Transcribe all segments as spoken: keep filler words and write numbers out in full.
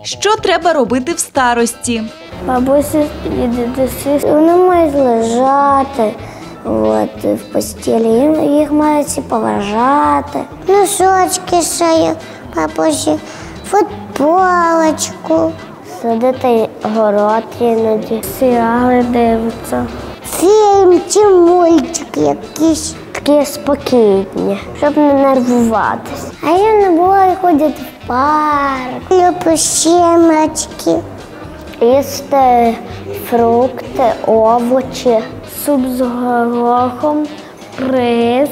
Що треба робити в старості? Бабуся і дідусі, вони мають лежати от, в постелі, їх мають всі поважати. Носочки шиють бабусі, футболочку. Садити город іноді, серіали дивиться. Фільм чи мультик якийсь. Такі спокійні, щоб не нервуватися. А я не буваю ходити в парк. Люблю щемочки. Їсти фрукти, овочі, суп з горохом, рис,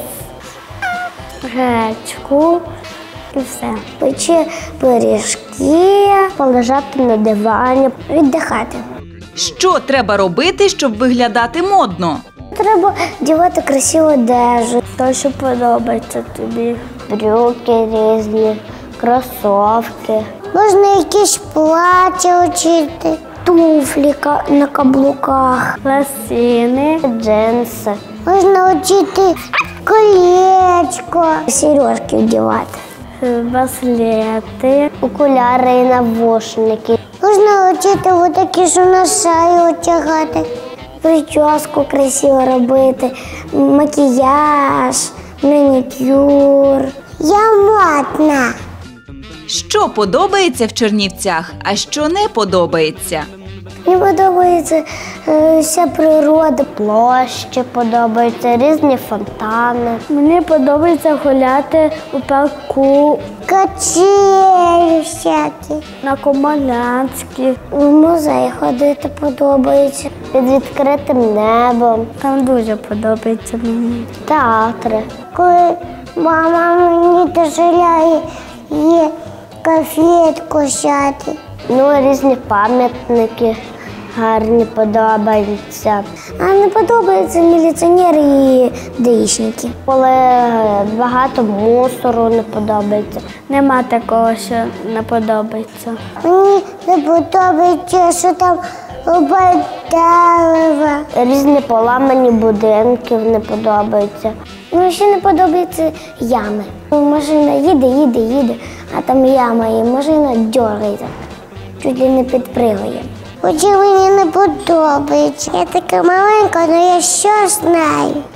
гречку і все. Печи пиріжки, полежати на дивані, віддихати. Що треба робити, щоб виглядати модно? Треба вдягати красиву одежу, те, що подобається тобі. Брюки різні, кросівки. Можна якісь плаття вчити, туфлі на каблуках, лосини, джинси. Можна вчити колечко, сережки вдягати, браслети, окуляри і навушники. Можна вчити отакі, що на шию одягати. Прическу красиво робити, макіяж, манікюр. Я модна. Що подобається в Чернівцях, а що не подобається? Мені подобається е, вся природа, площі подобаються, різні фонтани. Мені подобається гуляти у парку. Качелі всякі. На Комолянській. В музей ходити подобається. Під відкритим небом. Там дуже подобається мені. Театри. Коли мама мені дозволяє їй конфетку взяти. Ну, різні пам'ятники гарні подобаються. А не подобаються міліціонери і даїшники. Коли багато мусору не подобається. Нема такого, що не подобається. Мені не подобається, що там дерева. Різні поламані будинки не подобаються. Мені ще не подобаються ями. Машина їде, їде, їде, а там яма і машина дергається. Чуть ли не підпригує. Хоча мені не подобається. Я така маленька, але я що знаю.